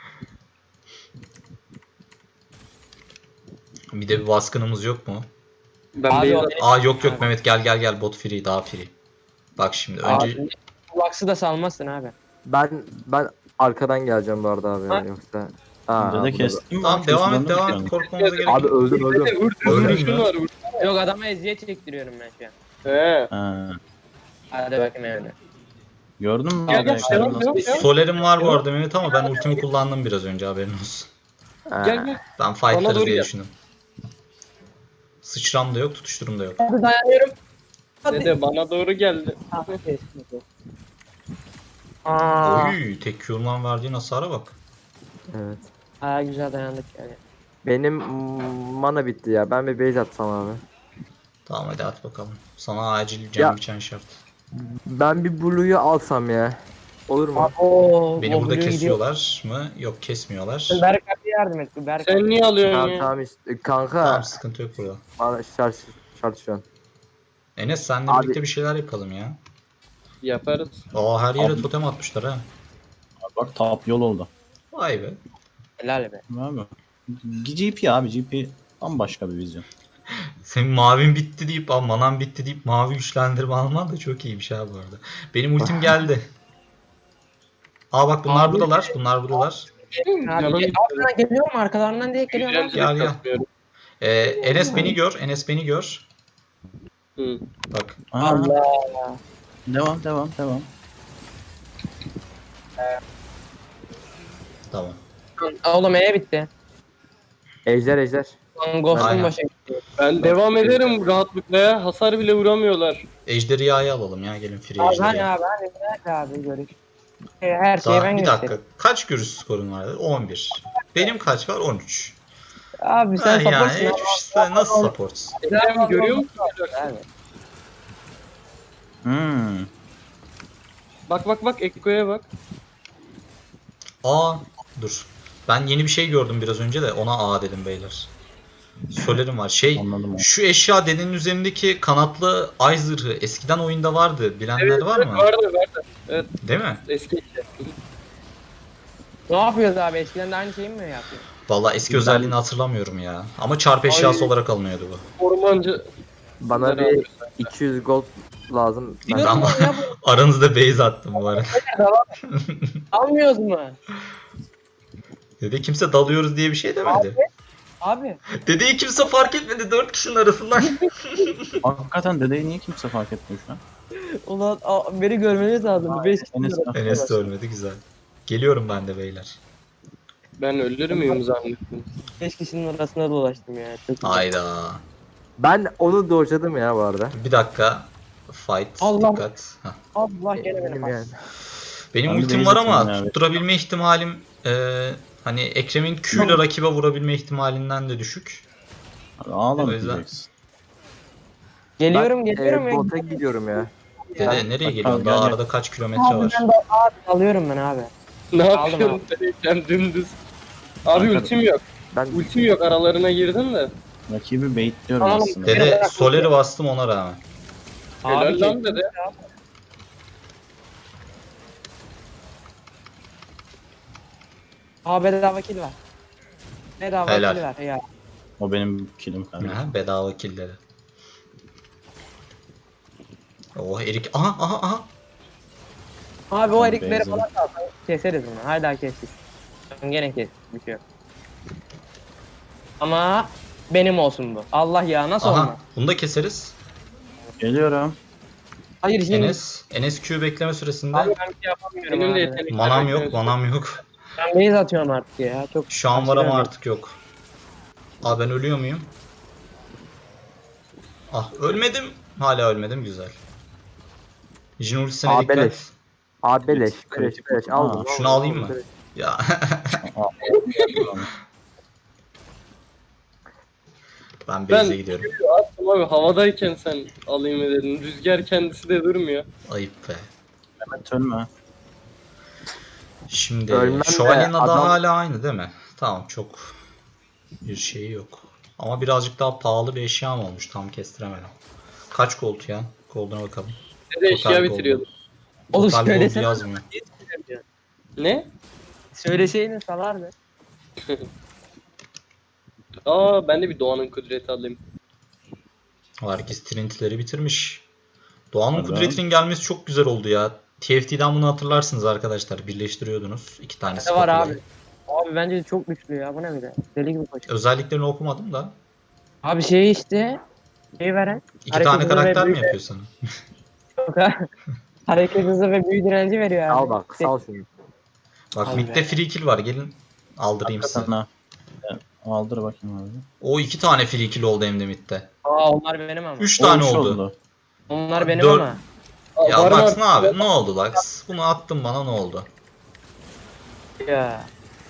[SPEAKER 1] Bir de bir baskınımız yok mu?
[SPEAKER 4] Ben
[SPEAKER 5] Abi
[SPEAKER 4] beyaz
[SPEAKER 5] o
[SPEAKER 1] Aa yok yok Mehmet gel gel gel bot free daha free. Bak şimdi önce
[SPEAKER 5] Abi, Lux'ı da salmazsın abi.
[SPEAKER 2] Ben ben arkadan geleceğim bu arada abi
[SPEAKER 5] Ha?
[SPEAKER 2] yani yoksa. Aa,
[SPEAKER 3] Dede
[SPEAKER 2] burada-
[SPEAKER 3] kestim.
[SPEAKER 1] tamam
[SPEAKER 3] bak,
[SPEAKER 1] devam et
[SPEAKER 3] kestim,
[SPEAKER 1] devam
[SPEAKER 3] döndüm
[SPEAKER 1] et
[SPEAKER 3] şu an.
[SPEAKER 1] korkmamıza gerek
[SPEAKER 2] Abi
[SPEAKER 1] yok.
[SPEAKER 2] öldüm öldüm.
[SPEAKER 4] Vur,
[SPEAKER 1] Öldün
[SPEAKER 4] vuruşun
[SPEAKER 1] mü?
[SPEAKER 4] var. Vur.
[SPEAKER 5] Yok adama eziyet çektiriyorum ben şu an.
[SPEAKER 4] He.
[SPEAKER 3] Ha.
[SPEAKER 5] Hadi bakayım öyle.
[SPEAKER 3] Gördün mü?
[SPEAKER 4] Gel,
[SPEAKER 3] abi
[SPEAKER 4] gel,
[SPEAKER 3] ekranı
[SPEAKER 4] devam,
[SPEAKER 3] nasıl-
[SPEAKER 4] devam, devam.
[SPEAKER 1] Soler'im var bu arada Mehmet ama ben ultimi kullandım biraz önce haberin olsun.
[SPEAKER 2] Ha.
[SPEAKER 4] Gel gel.
[SPEAKER 1] Ben
[SPEAKER 4] Bana
[SPEAKER 1] fightlarız
[SPEAKER 4] doğru
[SPEAKER 1] diye
[SPEAKER 4] gel.
[SPEAKER 1] düşündüm. Sıçram da yok tutuşturum da yok.
[SPEAKER 5] Hadi dayanıyorum. Hadi.
[SPEAKER 4] Dede bana doğru geldi.
[SPEAKER 5] Aa,
[SPEAKER 1] Oy tek Q'lan verdiğin hasara bak.
[SPEAKER 2] Evet.
[SPEAKER 5] aa, güzel dayandık yani.
[SPEAKER 2] Benim mm, mana bitti ya. Ben bir base atsam abi.
[SPEAKER 1] Tamam hadi at bakalım. Sana acil
[SPEAKER 2] Ya.
[SPEAKER 1] can biçen şart.
[SPEAKER 2] Ben bir blue'yu alsam ya. Olur mu?
[SPEAKER 5] Oo,
[SPEAKER 1] Beni
[SPEAKER 5] o
[SPEAKER 1] burada
[SPEAKER 5] Blue
[SPEAKER 1] kesiyorlar mı? Yok kesmiyorlar.
[SPEAKER 5] gidiyor. Berk abi yardım et. Berk
[SPEAKER 4] Sen
[SPEAKER 5] abi.
[SPEAKER 4] niye alıyorsun
[SPEAKER 2] Tamam
[SPEAKER 4] ya?
[SPEAKER 2] tamam işte kanka.
[SPEAKER 1] Tamam sıkıntı yok burada.
[SPEAKER 2] Bana şart şart şu an.
[SPEAKER 1] Enes senle
[SPEAKER 2] Abi-
[SPEAKER 1] birlikte bir şeyler yapalım ya.
[SPEAKER 4] Yaparız.
[SPEAKER 1] Aa her yere
[SPEAKER 3] Abi.
[SPEAKER 1] totem atmışlar ha.
[SPEAKER 3] Bak top yol oldu.
[SPEAKER 1] Vay be.
[SPEAKER 5] Helal be.
[SPEAKER 3] Abi. G P abi G P bambaşka bir vizyon.
[SPEAKER 1] Senin mavin bitti deyip, aa manan bitti deyip mavi güçlendirme alman da çok iyiymiş ha bu arada. Benim ultim geldi. Aa bak bunlar
[SPEAKER 5] Abi-
[SPEAKER 1] buradalar. Bunlar buradalar.
[SPEAKER 5] Abi,
[SPEAKER 4] Canım
[SPEAKER 5] gel, arkadan geliyor mu? Arkalarından diye geliyor lan.
[SPEAKER 1] Gel, gel.
[SPEAKER 4] kasmıyorum.
[SPEAKER 1] Ee, Enes beni gör. Enes beni gör.
[SPEAKER 4] Hı.
[SPEAKER 1] Bak.
[SPEAKER 3] Aa,
[SPEAKER 5] Allah.
[SPEAKER 3] Devam devam devam.
[SPEAKER 1] Tamam.
[SPEAKER 5] Oğlum E bitti.
[SPEAKER 2] Ejder ejder.
[SPEAKER 5] Lan Ghost'un
[SPEAKER 1] Aynen.
[SPEAKER 5] başa gitti.
[SPEAKER 4] Ben devam ederim rahatlıkla ya. Hasar bile vuramıyorlar.
[SPEAKER 1] Ejderhayı alalım ya. Gelin free
[SPEAKER 5] Abi hani
[SPEAKER 1] ejderhayı.
[SPEAKER 5] abi hani Berk abi görüş. Her şeyi
[SPEAKER 1] Daha,
[SPEAKER 5] ben
[SPEAKER 1] bir
[SPEAKER 5] gösteririm.
[SPEAKER 1] dakika. Kaç görüş skorun vardı? on bir. Benim kaç var? on üç.
[SPEAKER 5] Abi
[SPEAKER 1] Ha,
[SPEAKER 5] sen
[SPEAKER 1] yani
[SPEAKER 5] supportsun abi.
[SPEAKER 1] sen nasıl supportsun?
[SPEAKER 4] Sen görüyor musun?
[SPEAKER 5] Abi.
[SPEAKER 3] Hmm.
[SPEAKER 4] Bak bak bak Ekko'ya bak.
[SPEAKER 1] Aa dur. Ben yeni bir şey gördüm biraz önce de ona aa dedim beyler. Solerim var. Şey
[SPEAKER 3] Anladım abi.
[SPEAKER 1] şu eşya dedenin üzerindeki kanatlı ay zırhı eskiden oyunda vardı. Bilenler var mı?
[SPEAKER 4] Vardı vardı. Evet
[SPEAKER 1] Değil mi?
[SPEAKER 4] eski.
[SPEAKER 5] Ne yapıyoruz abi? Eskiden de aynı şeyi mi yapıyor?
[SPEAKER 1] Vallahi eski özelliğini hatırlamıyorum ya. Ama çarp eşyası
[SPEAKER 4] Ay.
[SPEAKER 1] olarak alınıyordu bu.
[SPEAKER 4] Ormancı.
[SPEAKER 2] Bana
[SPEAKER 4] Güzel
[SPEAKER 2] bir
[SPEAKER 4] abi.
[SPEAKER 2] iki yüz gold lazım. Ben
[SPEAKER 5] Biliyorum
[SPEAKER 1] Tamam.
[SPEAKER 5] ya bu.
[SPEAKER 1] Aranızda base attım bu arada.
[SPEAKER 5] Almıyoruz mu?
[SPEAKER 1] Dede kimse dalıyoruz diye bir şey demedi.
[SPEAKER 5] Abi.
[SPEAKER 1] Dedeyi kimse fark etmedi dört kişinin arasından.
[SPEAKER 3] Hakikaten dedeyi niye kimse fark etmiyor şu an?
[SPEAKER 5] Ulan a- beni görmeniz lazım. Bu beş
[SPEAKER 3] Enes,
[SPEAKER 1] Enes de ölmedi güzel. Geliyorum ben de beyler.
[SPEAKER 4] Ben ölür müyüm zannettim.
[SPEAKER 5] beş kişinin arasında dolaştım ya. Çok güzel.
[SPEAKER 1] Hayda.
[SPEAKER 2] ben onu dojladım ya bu arada.
[SPEAKER 1] Bir dakika. Fight.
[SPEAKER 5] Allah.
[SPEAKER 1] Dikkat. Hah.
[SPEAKER 5] Allah gene beni
[SPEAKER 2] Benim
[SPEAKER 5] bak.
[SPEAKER 2] yani.
[SPEAKER 1] Benim
[SPEAKER 3] Ben bir
[SPEAKER 1] ultim
[SPEAKER 3] base
[SPEAKER 1] var ama
[SPEAKER 3] atayım abi.
[SPEAKER 1] tutturabilme ihtimalim e, hani Ekrem'in Q ile rakibe vurabilme ihtimalinden de düşük.
[SPEAKER 3] Abi
[SPEAKER 1] O
[SPEAKER 3] ağlama
[SPEAKER 1] yüzden-
[SPEAKER 3] diyeceksin.
[SPEAKER 5] Geliyorum
[SPEAKER 2] Ben,
[SPEAKER 5] geliyorum
[SPEAKER 2] e,
[SPEAKER 5] ya.
[SPEAKER 2] bota gidiyorum ya.
[SPEAKER 1] Dede
[SPEAKER 3] Ya,
[SPEAKER 1] nereye
[SPEAKER 3] bak,
[SPEAKER 1] geliyorsun?
[SPEAKER 3] gel,
[SPEAKER 1] Daha
[SPEAKER 3] gel.
[SPEAKER 1] arada kaç kilometre
[SPEAKER 5] Abi
[SPEAKER 1] var?
[SPEAKER 5] ben de abi alıyorum ben abi.
[SPEAKER 4] Ne
[SPEAKER 5] Aldım
[SPEAKER 4] yapıyorsun? Sen dümdüz. Abi
[SPEAKER 3] Kanka-
[SPEAKER 4] ultim yok.
[SPEAKER 2] Ben
[SPEAKER 4] Ultim yok aralarına girdim de.
[SPEAKER 3] Rakibi baitliyorum
[SPEAKER 5] Tamam.
[SPEAKER 3] aslında.
[SPEAKER 1] Dede Soler'i bastım ona rağmen.
[SPEAKER 4] Helal
[SPEAKER 5] Abi
[SPEAKER 4] lan dede.
[SPEAKER 5] Abi bedava kill var. Bedava
[SPEAKER 1] Helal.
[SPEAKER 5] kill var ya.
[SPEAKER 3] O benim killim kardeşim.
[SPEAKER 1] Aha, bedava killleri. Oh Erik. Aha aha aha.
[SPEAKER 5] Abi o
[SPEAKER 3] Tamam,
[SPEAKER 5] erikleri
[SPEAKER 3] benzedim.
[SPEAKER 5] falan kalsan keseriz bunu. Hala kestik. Gene kes. Bir şey yok. Ama benim olsun bu. Allah ya nasıl olmaz?
[SPEAKER 1] Aha. Bunu da keseriz.
[SPEAKER 3] Geliyorum.
[SPEAKER 5] Hayır şimdi.
[SPEAKER 1] Enes. Enes Q bekleme süresinde.
[SPEAKER 5] Abi ben bir şey yapamıyorum
[SPEAKER 4] Benim de
[SPEAKER 5] abi.
[SPEAKER 4] yetenekler
[SPEAKER 1] Manam yok,
[SPEAKER 4] bekliyorsun.
[SPEAKER 1] manam yok.
[SPEAKER 5] Ben base atıyorum artık ya. Çok
[SPEAKER 1] Şu an var ama
[SPEAKER 5] aşırı
[SPEAKER 1] artık yok. Aa ben ölüyor muyum? Ah ölmedim. Hala ölmedim güzel. Jin ultisine
[SPEAKER 2] Aa,
[SPEAKER 1] dikkat.
[SPEAKER 2] beleş. Abi beleş,
[SPEAKER 3] Kritik,
[SPEAKER 2] beleş,
[SPEAKER 3] kritik.
[SPEAKER 2] beleş.
[SPEAKER 3] Aa,
[SPEAKER 2] Aldım.
[SPEAKER 1] şunu
[SPEAKER 2] aldım,
[SPEAKER 1] alayım
[SPEAKER 2] aldım,
[SPEAKER 1] mı?
[SPEAKER 2] beleş.
[SPEAKER 1] Ya. Ben base'e
[SPEAKER 4] Ben-
[SPEAKER 1] gidiyorum.
[SPEAKER 4] Attım abi havadayken sen alayım mı dedin. Rüzgar kendisi de durmuyor.
[SPEAKER 1] Ayıp be.
[SPEAKER 3] Mehmet ölme.
[SPEAKER 1] Şimdi
[SPEAKER 2] Ölmem de
[SPEAKER 1] şövalyenin adı
[SPEAKER 2] adam-
[SPEAKER 1] hala aynı değil mi? Tamam çok bir şeyi yok. Ama birazcık daha pahalı bir eşya mı olmuş tam kestiremedim. Kaç gold ya? Gold'una bakalım.
[SPEAKER 4] Ne de eşya
[SPEAKER 1] Total gold.
[SPEAKER 4] bitiriyordum.
[SPEAKER 5] Oğlum
[SPEAKER 1] Total gold
[SPEAKER 5] söylesene.
[SPEAKER 1] yazmıyor.
[SPEAKER 4] Ne?
[SPEAKER 5] Söyleseydin salardı.
[SPEAKER 4] Aa ben de bir Doğan'ın kudreti alayım.
[SPEAKER 1] Herkes Trinity'leri bitirmiş. Doğan'ın
[SPEAKER 3] Hadi
[SPEAKER 1] kudretinin gelmesi çok güzel oldu ya. T F T'den bunu hatırlarsınız arkadaşlar. Birleştiriyordunuz. İki tane
[SPEAKER 5] Ne var
[SPEAKER 1] spatulayı.
[SPEAKER 5] abi? Abi bence çok güçlü ya. Bu ne bir de? Deli gibi koşuyor.
[SPEAKER 1] Özelliklerini okumadım da.
[SPEAKER 5] Abi şey işte. Şey veren.
[SPEAKER 1] İki
[SPEAKER 5] Hareket
[SPEAKER 1] tane
[SPEAKER 5] hızı
[SPEAKER 1] karakter
[SPEAKER 5] ve
[SPEAKER 1] mi
[SPEAKER 5] büyü-
[SPEAKER 1] yapıyor sana?
[SPEAKER 5] Yok ha. Hareket hızı ve büyü direnci veriyor abi.
[SPEAKER 2] Al bak, sal şunu.
[SPEAKER 1] Bak
[SPEAKER 5] Abi.
[SPEAKER 1] midde free kill var. Gelin aldırayım size.
[SPEAKER 3] Hakikaten ha. Evet, aldır bakayım abi.
[SPEAKER 1] O iki tane free kill oldu hem de midde.
[SPEAKER 5] Aa onlar benim ama.
[SPEAKER 1] Üç tane
[SPEAKER 3] O üç
[SPEAKER 1] oldu.
[SPEAKER 5] Onlar benim
[SPEAKER 1] Dört-
[SPEAKER 5] ama.
[SPEAKER 4] Aa,
[SPEAKER 1] Ya
[SPEAKER 4] var
[SPEAKER 1] Lux
[SPEAKER 4] mı?
[SPEAKER 1] ne abi? Ne oldu Lux? Bunu attın bana ne oldu?
[SPEAKER 5] Ya.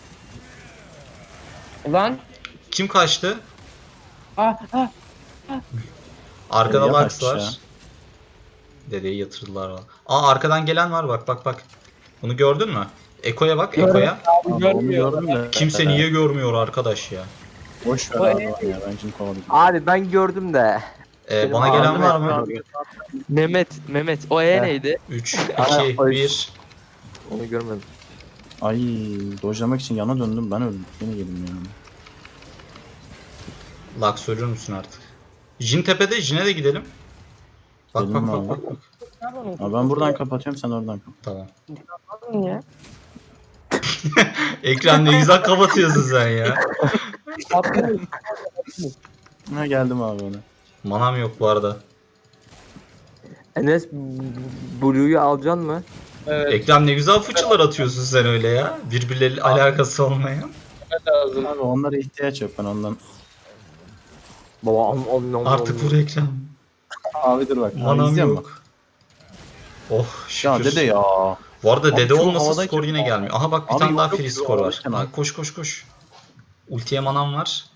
[SPEAKER 5] Ulan.
[SPEAKER 1] Kim kaçtı?
[SPEAKER 5] Ah ah.
[SPEAKER 1] Arkada
[SPEAKER 3] Nereye
[SPEAKER 1] Lux
[SPEAKER 3] kaçtı ya?
[SPEAKER 1] var. Dedeyi yatırdılar valla. Aa arkadan gelen var bak bak bak. Bunu gördün mü? Eko'ya bak
[SPEAKER 5] Gördüm.
[SPEAKER 1] Eko'ya.
[SPEAKER 3] Abi, onu
[SPEAKER 5] Görmüyor.
[SPEAKER 3] gördüm de.
[SPEAKER 1] Kimse niye görmüyor arkadaş ya?
[SPEAKER 3] Boş ver
[SPEAKER 5] O
[SPEAKER 3] abi
[SPEAKER 5] en-
[SPEAKER 3] onu ya. Ben şimdi kovalayacağım.
[SPEAKER 2] Abi ben gördüm de.
[SPEAKER 1] Ee,
[SPEAKER 2] Benim
[SPEAKER 1] bana gelen
[SPEAKER 2] ağzım
[SPEAKER 1] var mı?
[SPEAKER 3] Abi,
[SPEAKER 6] Mehmet, Mehmet o E
[SPEAKER 2] Heh.
[SPEAKER 6] neydi?
[SPEAKER 1] üç,
[SPEAKER 2] Aa,
[SPEAKER 1] iki,
[SPEAKER 2] ay.
[SPEAKER 1] bir.
[SPEAKER 2] Onu görmedim.
[SPEAKER 3] Ay dojlamak için yana döndüm ben öldüm. Yine yedim yani.
[SPEAKER 1] Lux ölür müsün artık? Jin tepede, Jin'e de gidelim. Bak bak
[SPEAKER 3] Gidelim
[SPEAKER 1] bak
[SPEAKER 3] abi.
[SPEAKER 1] bak bak.
[SPEAKER 3] Abi ben buradan kapatıyorum sen oradan kapat.
[SPEAKER 1] Tamam.
[SPEAKER 5] Alın ya.
[SPEAKER 1] Ekran ne güzel kapatıyorsun sen ya.
[SPEAKER 5] Atlayın.
[SPEAKER 3] Ha geldim abi ona.
[SPEAKER 1] Manam yok bu arada.
[SPEAKER 2] Enes Blue'yu alacaksın mı?
[SPEAKER 4] Evet
[SPEAKER 1] Ekran ne güzel fıçılar atıyorsun sen öyle ya. Birbirleriyle alakası olmayan.
[SPEAKER 4] lazım.
[SPEAKER 3] Abi onlara ihtiyaç yok ben ondan.
[SPEAKER 2] Baba om om om.
[SPEAKER 1] Artık vur ekran.
[SPEAKER 3] Abi dur bak. Abi,
[SPEAKER 1] Manam
[SPEAKER 3] izliyor musun?
[SPEAKER 1] yok. Oh şükür.
[SPEAKER 3] Ya dede ya.
[SPEAKER 1] Bu arada
[SPEAKER 3] Abi
[SPEAKER 1] dede
[SPEAKER 3] çok
[SPEAKER 1] olmasa
[SPEAKER 3] havadayken-
[SPEAKER 1] skor yine gelmiyor. Aha bak bir
[SPEAKER 3] Abi
[SPEAKER 1] tane daha
[SPEAKER 3] yok,
[SPEAKER 1] free
[SPEAKER 3] yok,
[SPEAKER 1] skor var.
[SPEAKER 3] havadayken
[SPEAKER 1] Ha,
[SPEAKER 3] abi.
[SPEAKER 1] koş koş koş. Ultiye manam var.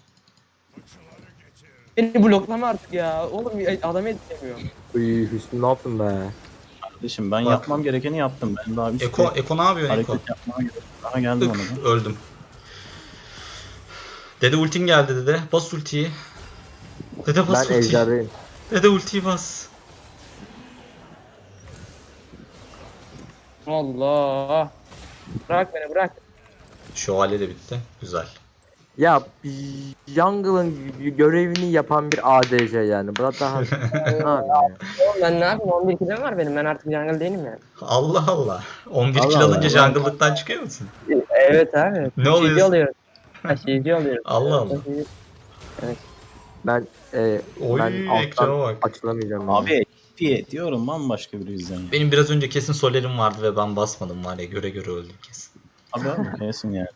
[SPEAKER 5] Beni bloklama artık ya. Oğlum adamı yetişemiyor.
[SPEAKER 2] Uy Hüsnü ne yaptın be?
[SPEAKER 3] Kardeşim ben
[SPEAKER 1] Bak.
[SPEAKER 3] yapmam gerekeni yaptım. Ben daha bir
[SPEAKER 1] Eko, Eko ne yapıyorsun Eko?
[SPEAKER 3] hareket yapmam gerekiyor. Daha geldim ona
[SPEAKER 1] Tık,
[SPEAKER 3] da.
[SPEAKER 1] öldüm. Dede ultin geldi dede. Bas ultiyi. Dede bas
[SPEAKER 2] Ben
[SPEAKER 1] ultiyi.
[SPEAKER 2] ejderdeyim.
[SPEAKER 1] Dede ultiyi bas.
[SPEAKER 5] Allah. Bırak beni bırak.
[SPEAKER 1] Şövalye de bitti. Güzel.
[SPEAKER 2] Ya Jungle'ın görevini yapan bir A D C yani. Bu da daha ne yapayım ya?
[SPEAKER 5] Oğlum ben ne yapayım? on bir kilim var benim. Ben artık jungle değilim yani.
[SPEAKER 1] Allah Allah. on bir
[SPEAKER 3] Allah
[SPEAKER 1] kill alınca
[SPEAKER 3] Allah.
[SPEAKER 1] jungle'lıktan çıkıyor musun?
[SPEAKER 5] Evet abi.
[SPEAKER 1] Ne
[SPEAKER 5] Şeyci
[SPEAKER 1] oluyorsun?
[SPEAKER 5] alıyorum. Ha, şeyci alıyorum.
[SPEAKER 1] Allah Allah.
[SPEAKER 2] Ben e,
[SPEAKER 1] Oy
[SPEAKER 2] ben alttan
[SPEAKER 1] ekrana bak.
[SPEAKER 2] açılamayacağım.
[SPEAKER 3] Abi diye diyorum bambaşka bir yüzden ya.
[SPEAKER 1] Benim biraz önce kesin solerim vardı ve ben basmadım var ya göre göre öldüm kesin.
[SPEAKER 3] Abi abi kesin yani.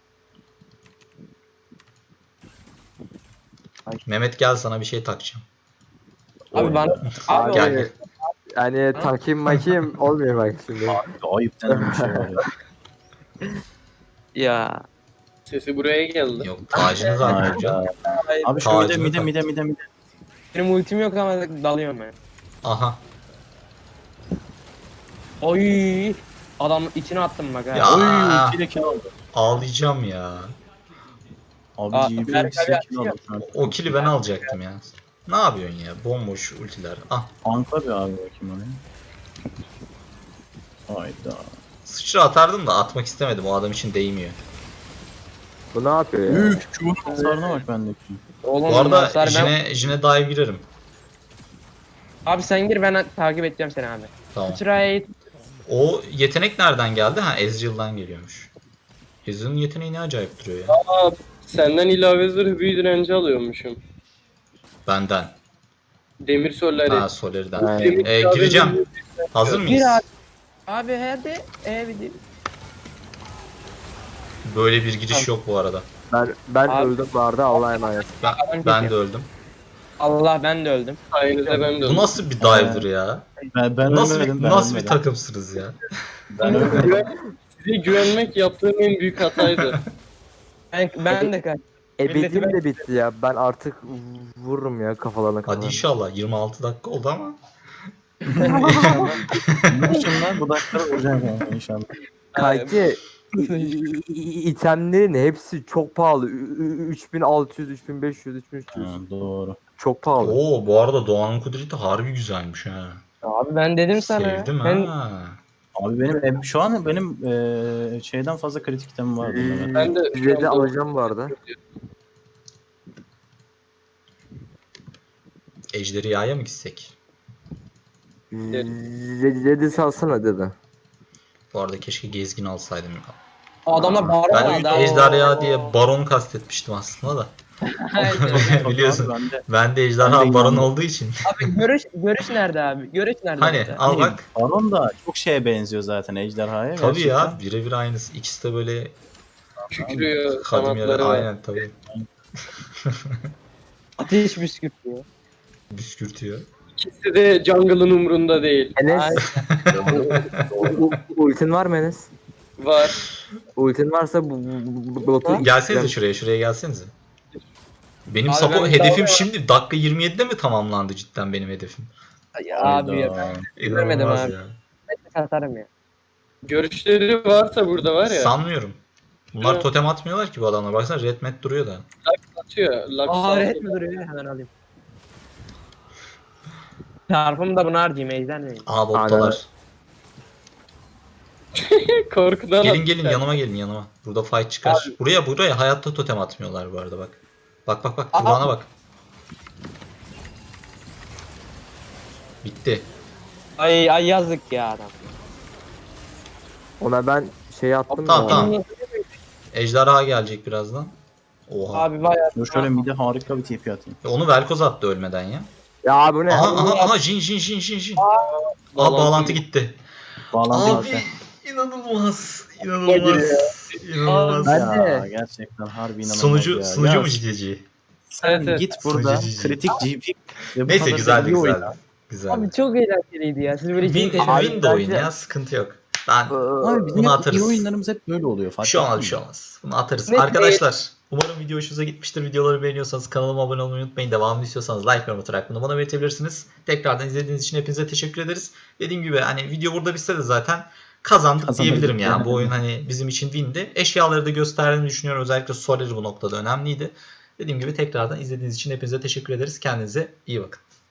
[SPEAKER 1] Mehmet gel sana bir şey takacağım.
[SPEAKER 5] Abi bana... Abi
[SPEAKER 1] Gel
[SPEAKER 5] oğlum,
[SPEAKER 1] gel.
[SPEAKER 2] Yani takayım makayım olmuyor bak şimdi.
[SPEAKER 3] Abi ayıp denen bir şey var ya.
[SPEAKER 6] Ya
[SPEAKER 4] Sesi buraya geldi.
[SPEAKER 1] Yok tacını zaten hocam.
[SPEAKER 3] Hayda. Abi şu
[SPEAKER 1] Tacını
[SPEAKER 3] mide mide
[SPEAKER 1] tak.
[SPEAKER 3] mide mide mide.
[SPEAKER 5] benim ultim yok ama dalıyorum ben.
[SPEAKER 1] Aha.
[SPEAKER 5] Oy. Adam içine attım bak ha.
[SPEAKER 1] Ya.
[SPEAKER 3] Oy
[SPEAKER 1] Aa.
[SPEAKER 3] kile kill aldı.
[SPEAKER 1] Ağlayacağım ya.
[SPEAKER 3] Abi
[SPEAKER 5] Aa,
[SPEAKER 3] G P
[SPEAKER 5] Berk
[SPEAKER 3] ikisi
[SPEAKER 5] abi
[SPEAKER 3] kill aldı. şu an.
[SPEAKER 1] O kili ben alacaktım ya. Ne yapıyorsun ya? Bomboş ultiler. Ah.
[SPEAKER 3] Tankla bir abi bakayım oraya. Hayda.
[SPEAKER 1] Sıçra atardım da atmak istemedim. O adam için değmiyor.
[SPEAKER 2] Bu ne yapıyor ya?
[SPEAKER 3] Üf, çubuğun hasarına bak bendeki.
[SPEAKER 5] Oğlum
[SPEAKER 1] Bu arada
[SPEAKER 5] hasar ben...
[SPEAKER 1] Jine, Jine dive girerim.
[SPEAKER 5] Abi sen gir ben takip edeceğim seni abi.
[SPEAKER 1] Tamam.
[SPEAKER 5] Sıçraya
[SPEAKER 1] O yetenek nereden geldi? Ha, Ezreal'dan geliyormuş. Ezreal'ın yeteneği ne acayip duruyor ya.
[SPEAKER 4] Aa, senden ilave zırh büyü direnci alıyormuşum.
[SPEAKER 1] Benden.
[SPEAKER 4] Demir soller.
[SPEAKER 1] Ha, Soler'den.
[SPEAKER 4] Demir
[SPEAKER 1] Ee,
[SPEAKER 4] ilave
[SPEAKER 1] gireceğim.
[SPEAKER 4] zırh-
[SPEAKER 1] Hazır mıyız?
[SPEAKER 5] Gir abi. Abi hadi. E bir de-
[SPEAKER 1] Böyle bir giriş yok bu arada.
[SPEAKER 2] Ben ben
[SPEAKER 5] Abi-
[SPEAKER 2] öldüm bu arada, Allah'a emanet.
[SPEAKER 1] Ben, ben de öldüm.
[SPEAKER 5] Allah ben de öldüm.
[SPEAKER 4] Sayenizde ben de
[SPEAKER 1] Bu nasıl bir dive'dır ya?
[SPEAKER 3] Ben, ben
[SPEAKER 1] Nasıl
[SPEAKER 3] ölmedim,
[SPEAKER 1] bir,
[SPEAKER 3] ben
[SPEAKER 1] nasıl bir
[SPEAKER 3] ölmedim.
[SPEAKER 1] takımsınız ya?
[SPEAKER 3] Ben ölmedim.
[SPEAKER 4] Size güvenmek yaptığım en büyük hataydı.
[SPEAKER 5] Ben, ben de kaç.
[SPEAKER 2] Ebedim de bitti ya. Ben artık vururum ya kafalarına
[SPEAKER 1] Hadi
[SPEAKER 2] kafalarına.
[SPEAKER 1] inşallah. yirmi altı dakika oldu ama.
[SPEAKER 3] İnşallah bu dakikada vuracağım yani inşallah.
[SPEAKER 2] Kanki i- i- i- itemlerin hepsi çok pahalı. Ü- ü- üç bin altı yüz, üç bin beş yüz, üç bin üç yüz.
[SPEAKER 3] Ha, doğru.
[SPEAKER 2] Çok pahalı.
[SPEAKER 1] Oo, bu arada Doğan'ın kudreti harbi güzelmiş ha.
[SPEAKER 5] Abi ben dedim sana.
[SPEAKER 1] Sevdim
[SPEAKER 5] Ben,
[SPEAKER 1] ha.
[SPEAKER 3] Abi benim e, şu an benim e, şeyden fazla kritik itemim vardı. Mehmet.
[SPEAKER 4] Ben de şu
[SPEAKER 2] Red'i
[SPEAKER 4] anda-
[SPEAKER 2] alacağım bu arada.
[SPEAKER 1] Ejderhaya mı gitsek?
[SPEAKER 2] Red'i salsana dedi.
[SPEAKER 1] Bu arada keşke gezgin alsaydım.
[SPEAKER 5] adamlar bağırma
[SPEAKER 1] Ben
[SPEAKER 5] daha.
[SPEAKER 1] ejderha diye baron kastetmiştim aslında da. Biliyorsun.
[SPEAKER 3] Ben de,
[SPEAKER 1] Ben de
[SPEAKER 3] Ben
[SPEAKER 1] ejderha
[SPEAKER 3] de
[SPEAKER 1] baron
[SPEAKER 3] inandım.
[SPEAKER 1] olduğu için.
[SPEAKER 5] Abi görüş görüş nerede abi? Görüş nerede?
[SPEAKER 1] Hani
[SPEAKER 5] orada?
[SPEAKER 1] al bak.
[SPEAKER 3] Baron da çok şeye benziyor zaten ejderhaya.
[SPEAKER 1] Tabii ya,
[SPEAKER 3] gerçekten.
[SPEAKER 1] birebir aynısı. İkisi de böyle
[SPEAKER 4] Kükrüyor,
[SPEAKER 1] kadim yere.
[SPEAKER 4] kanatları var.
[SPEAKER 1] Aynen tabii.
[SPEAKER 5] Ateş püskürtüyor.
[SPEAKER 1] Büskürtüyor.
[SPEAKER 4] İkisi de jungle'ın umrunda değil.
[SPEAKER 2] Enes,
[SPEAKER 5] Ay,
[SPEAKER 2] u- ultin var mı Enes?
[SPEAKER 4] Var.
[SPEAKER 2] Ultin varsa bu, bu, bu botu...
[SPEAKER 1] Gelsenize şuraya, şuraya gelsenize. Benim
[SPEAKER 5] Abi
[SPEAKER 1] support
[SPEAKER 5] ben
[SPEAKER 1] hedefim
[SPEAKER 5] daha-
[SPEAKER 1] şimdi dakika yirmi yedide mi tamamlandı cidden benim hedefim?
[SPEAKER 5] abi ya.
[SPEAKER 3] Hayda.
[SPEAKER 5] Görmedim
[SPEAKER 1] İnanılmaz
[SPEAKER 5] abi.
[SPEAKER 1] ya.
[SPEAKER 5] Ben satarım ya.
[SPEAKER 4] Görüşleri varsa burada var ya.
[SPEAKER 1] Sanmıyorum. Bunlar
[SPEAKER 4] Evet.
[SPEAKER 1] totem atmıyorlar ki bu adamlar. Baksana red mat duruyor da.
[SPEAKER 4] Atıyor. Lux
[SPEAKER 5] Aa
[SPEAKER 4] atıyor.
[SPEAKER 5] red mi duruyor? Hemen alayım. Çarpımı da bunu harcayayım ejder miyim?
[SPEAKER 1] Aha bottalar.
[SPEAKER 4] Korkudan
[SPEAKER 1] Gelin gelin
[SPEAKER 4] atıyor.
[SPEAKER 1] yanıma gelin yanıma. Burada fight çıkar. Buraya buraya hayatta totem atmıyorlar bu arada bak. Bak bak bak
[SPEAKER 5] Aa.
[SPEAKER 1] kulağına bak. Bitti.
[SPEAKER 5] Ay ay yazık ya adam.
[SPEAKER 2] Ona ben şey attım
[SPEAKER 1] Tamam,
[SPEAKER 2] ya.
[SPEAKER 1] tamam. Ejderha gelecek birazdan. Oha.
[SPEAKER 5] Abi bayağı.
[SPEAKER 3] Dur şöyle mide harika bir T P atayım.
[SPEAKER 1] Onu Velkoz attı ölmeden ya.
[SPEAKER 2] Ya bu ne?
[SPEAKER 1] Aha aha aha jin jin jin jin jin. Aa
[SPEAKER 4] Bağlantı
[SPEAKER 1] bağlantı gitti.
[SPEAKER 3] Bağlantı
[SPEAKER 1] Abi
[SPEAKER 3] zaten.
[SPEAKER 1] inanılmaz. İnanılmaz. İnanılmaz.
[SPEAKER 2] Ben
[SPEAKER 3] Ya,
[SPEAKER 2] de.
[SPEAKER 3] gerçekten harbi inanılmaz
[SPEAKER 1] Sunucu
[SPEAKER 3] ya.
[SPEAKER 1] sunucu
[SPEAKER 3] Ya,
[SPEAKER 1] mu ciddi?
[SPEAKER 3] sen
[SPEAKER 4] Evet, evet.
[SPEAKER 3] git burada
[SPEAKER 1] Sunucu
[SPEAKER 3] kritik G P ve bu
[SPEAKER 1] Neyse
[SPEAKER 3] kadar
[SPEAKER 1] güzeldi
[SPEAKER 3] iyi oyna.
[SPEAKER 1] güzeldi. Güzeldi.
[SPEAKER 5] Abi çok eğlenceliydi ya. Siz böyle
[SPEAKER 1] Win,
[SPEAKER 5] ciddi
[SPEAKER 2] Abi,
[SPEAKER 1] win de oyun
[SPEAKER 2] bence-
[SPEAKER 1] ya sıkıntı yok. Ben
[SPEAKER 3] Abi bizim
[SPEAKER 1] Bunu
[SPEAKER 3] hep
[SPEAKER 1] atarız.
[SPEAKER 3] iyi oyunlarımız hep böyle oluyor.
[SPEAKER 1] bir
[SPEAKER 3] Fark
[SPEAKER 1] şey olmaz
[SPEAKER 3] ettin
[SPEAKER 1] bir şey
[SPEAKER 3] mi?
[SPEAKER 1] olmaz. Bunu atarız.
[SPEAKER 5] Ne-
[SPEAKER 1] Arkadaşlar umarım video hoşunuza gitmiştir. Videoları beğeniyorsanız kanalıma abone olmayı unutmayın. Devamını istiyorsanız like yorum atarak bunu bana belirtebilirsiniz. Tekrardan izlediğiniz için hepinize teşekkür ederiz. Dediğim gibi hani video burada bitse de zaten kazandık
[SPEAKER 3] Kazandık
[SPEAKER 1] diyebilirim yani.
[SPEAKER 3] yani.
[SPEAKER 1] Bu oyun hani bizim için windi. Eşyaları da gösterdiğini düşünüyorum. Özellikle Soler bu noktada önemliydi. Dediğim gibi tekrardan izlediğiniz için hepinize teşekkür ederiz. Kendinize iyi bakın.